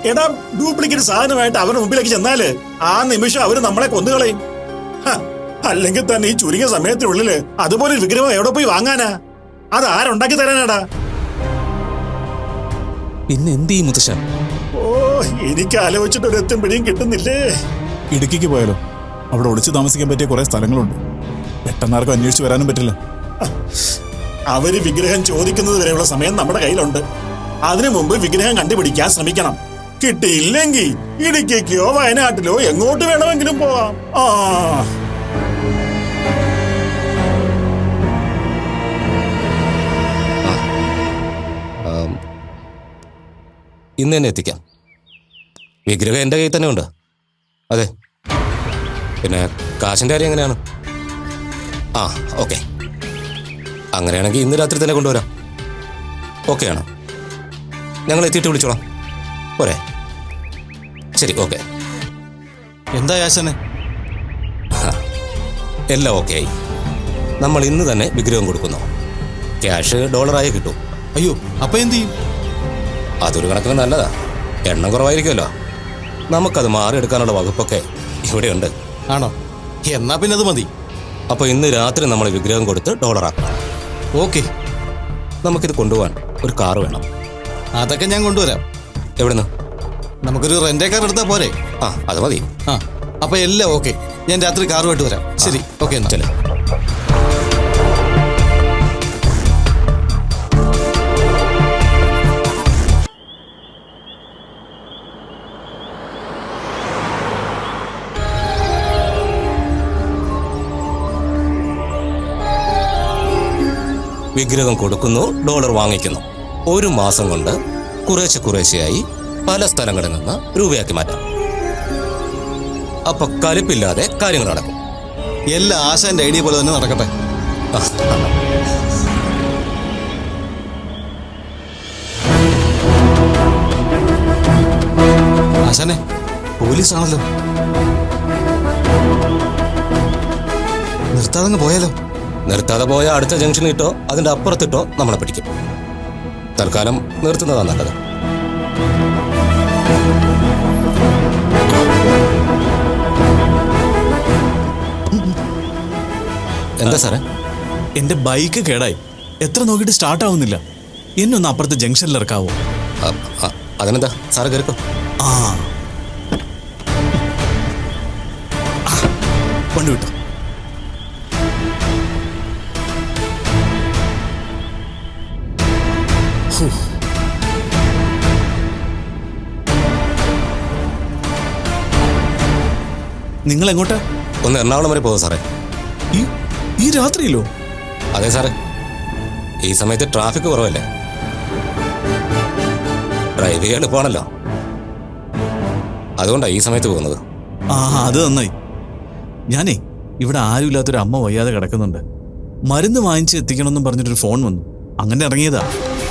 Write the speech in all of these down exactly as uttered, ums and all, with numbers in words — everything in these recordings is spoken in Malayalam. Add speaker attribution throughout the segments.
Speaker 1: എടാ ഡ്യൂപ്ലിക്കേറ്റ് സാധനമായിട്ട് അവരുടെ മുമ്പിലേക്ക് ചെന്നാല് ആ നിമിഷം അവര് നമ്മളെ കൊന്നുകളയും. അല്ലെങ്കിൽ തന്നെ ഈ ചുരുങ്ങിയ സമയത്തിനുള്ളില് അതുപോലെ ഒരു വിഗ്രഹം എവിടെ പോയി വാങ്ങാനാ? അത് ആരുണ്ടാക്കി തരാനാടാ?
Speaker 2: പിന്നെ എന്ത് ചെയ്യും മുത്തശ്ശ?
Speaker 1: ഓ, എനിക്ക് ആലോചിച്ചിട്ട് ഒരു എത്തും പിടിയും കിട്ടുന്നില്ലേ.
Speaker 3: ഇടുക്കിക്ക് പോയാലോ? അവിടെ ഒളിച്ചു താമസിക്കാൻ പറ്റിയ കുറെ സ്ഥലങ്ങളുണ്ട്. പെട്ടെന്നാർക്കും അന്വേഷിച്ച് വരാനും പറ്റില്ല.
Speaker 1: അവര് വിഗ്രഹം ചോദിക്കുന്നത് വരെയുള്ള സമയം നമ്മുടെ കയ്യിലുണ്ട്. അതിനു മുമ്പ് വിഗ്രഹം കണ്ടുപിടിക്കാൻ ശ്രമിക്കണം. കിട്ടിയില്ലെങ്കിൽ ഇടുക്കിക്കോ വയനാട്ടിലോ എങ്ങോട്ട് വേണമെങ്കിലും പോവാം. ആ
Speaker 2: ഇന്ന് തന്നെ എത്തിക്കാം. വിഗ്രഹം എൻ്റെ കയ്യിൽ തന്നെ ഉണ്ട്. അതെ, പിന്നെ കാശിൻ്റെ കാര്യം എങ്ങനെയാണ്? ആ ഓക്കെ, അങ്ങനെയാണെങ്കിൽ ഇന്ന് രാത്രി തന്നെ കൊണ്ടുവരാം. ഓക്കെയാണ്, ഞങ്ങൾ എത്തിയിട്ട് വിളിച്ചോളാം. പോരെ? ശരി, ഓക്കെ.
Speaker 4: എന്താ യാശനെ?
Speaker 2: എല്ലാം ഓക്കെ ആയി. നമ്മൾ ഇന്ന് തന്നെ വിഗ്രഹം കൊടുക്കുന്നു. ക്യാഷ് ഡോളറായി കിട്ടും.
Speaker 4: അയ്യോ, അപ്പം എന്ത് ചെയ്യും?
Speaker 2: അതൊരു കണക്കിന് നല്ലതാ. എണ്ണം കുറവായിരിക്കുമല്ലോ. നമുക്കത് മാറിയെടുക്കാനുള്ള വകുപ്പൊക്കെ ഇവിടെയുണ്ട്.
Speaker 4: ആണോ? എന്നാ പിന്നെ അത് മതി.
Speaker 2: അപ്പോൾ ഇന്ന് രാത്രി നമ്മൾ വിഗ്രഹം കൊടുത്ത് ഡോളറാക്കണം.
Speaker 4: ഓക്കെ.
Speaker 2: നമുക്കിത് കൊണ്ടുപോകാൻ ഒരു കാറ് വേണം.
Speaker 4: അതൊക്കെ ഞാൻ കൊണ്ടുവരാം.
Speaker 2: എവിടുന്ന്?
Speaker 4: നമുക്കൊരു റെന്റേ കാർ എടുത്താൽ പോരെ?
Speaker 2: ആ, അത് മതി.
Speaker 4: ആ, അപ്പം എല്ലാം ഓക്കെ. ഞാൻ രാത്രി കാറുമായിട്ട് വരാം. ശരി, ഓക്കെ. എന്നാ
Speaker 2: ചെല്ലേ. വിഗ്രഹം കൊടുക്കുന്നു, ഡോളർ വാങ്ങിക്കുന്നു. ഒരു മാസം കൊണ്ട് കുറേശ്ശെ കുറേശ്ശെയായി പല സ്ഥലങ്ങളിൽ നിന്ന് രൂപയാക്കി മാറ്റാം. അപ്പൊ കലിപ്പില്ലാതെ കാര്യങ്ങൾ നടക്കും.
Speaker 4: എല്ലാ ആശാന്റെ ഐഡിയ പോലെ തന്നെ നടക്കട്ടെ. ആശാനെ, പോലീസാണല്ലോ. നിർത്താതെ പോയാലോ?
Speaker 2: നിർത്താതെ പോയ അടുത്ത ജംഗ്ഷനിൽ ഇട്ടോ അതിന്റെ അപ്പുറത്തിട്ടോ നമ്മളെ പിടിക്കും. തൽക്കാലം നിർത്തുന്നതാണ് നല്ലത്. എന്താ സാറേ?
Speaker 3: എന്റെ ബൈക്ക് കേടായി. എത്ര നോക്കിയിട്ട് സ്റ്റാർട്ട് ആവുന്നില്ല. എന്നെ ഒന്ന് അപ്പുറത്തെ ജംഗ്ഷനിൽ ഇറക്കാവോ?
Speaker 2: അതിനെന്താ, സാറ് കയറിക്കോ.
Speaker 3: ആ, വണ്ടി വിട്ടോ. നിങ്ങൾ എങ്ങോട്ടാ?
Speaker 2: ഒന്ന് എറണാകുളം വരെ പോകും സാറേ.
Speaker 3: ഈ രാത്രിയിലോ?
Speaker 2: അതെ സാറേ, ഈ സമയത്ത് ട്രാഫിക് കുറവല്ലേ, ഡ്രൈവ് ചെയ്യാൻ എളുപ്പമാണല്ലോ. അതുകൊണ്ടാണ് ഈ സമയത്ത് പോകുന്നത്.
Speaker 3: ആ, അത് നന്നായി. ഞാനേ ഇവിടെ ആരുമില്ലാത്തൊരു അമ്മ വയ്യാതെ കിടക്കുന്നുണ്ട്. മരുന്ന് വാങ്ങിച്ച് എത്തിക്കണമെന്നും പറഞ്ഞിട്ടൊരു ഫോൺ വന്നു. അങ്ങനെ ഇറങ്ങിയതാ.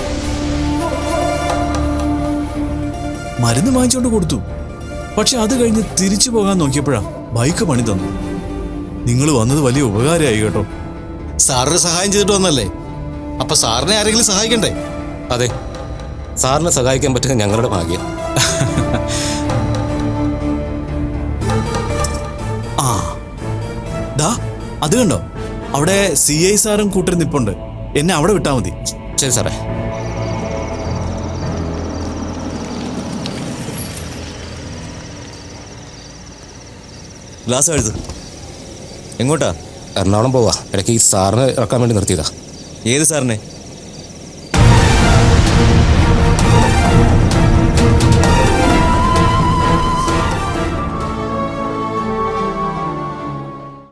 Speaker 3: മരുന്ന് വാങ്ങിച്ചുകൊണ്ട് കൊടുത്തു. പക്ഷെ അത് കഴിഞ്ഞ് തിരിച്ചു പോകാൻ നോക്കിയപ്പോഴാ ബൈക്ക് പണി തന്നു. നിങ്ങൾ വന്നത് വലിയ ഉപകാരമായി കേട്ടോ.
Speaker 4: സാറിന് സഹായം ചെയ്തിട്ട് വന്നല്ലേ? അപ്പൊ സാറിനെ ആരെങ്കിലും സഹായിക്കണ്ടേ?
Speaker 2: അതെ, സാറിനെ സഹായിക്കാൻ പറ്റുക ഞങ്ങളുടെ ഭാഗ്യം.
Speaker 3: ആ ദാ അത് കണ്ടോ, അവിടെ സി ഐ സാറും കൂട്ടർ നിപ്പുണ്ട്. എന്നെ അവിടെ വിട്ടാൽ മതി.
Speaker 2: ശരി സാറേ.
Speaker 5: ഗ്ലാസ് എഴുത്. എങ്ങോട്ടാ?
Speaker 2: എറണാകുളം പോവാ. ഇടയ്ക്ക് ഈ സാറിനെ ഇറക്കാൻ വേണ്ടി നിർത്തിയതാ.
Speaker 5: ഏത് സാറിനെ?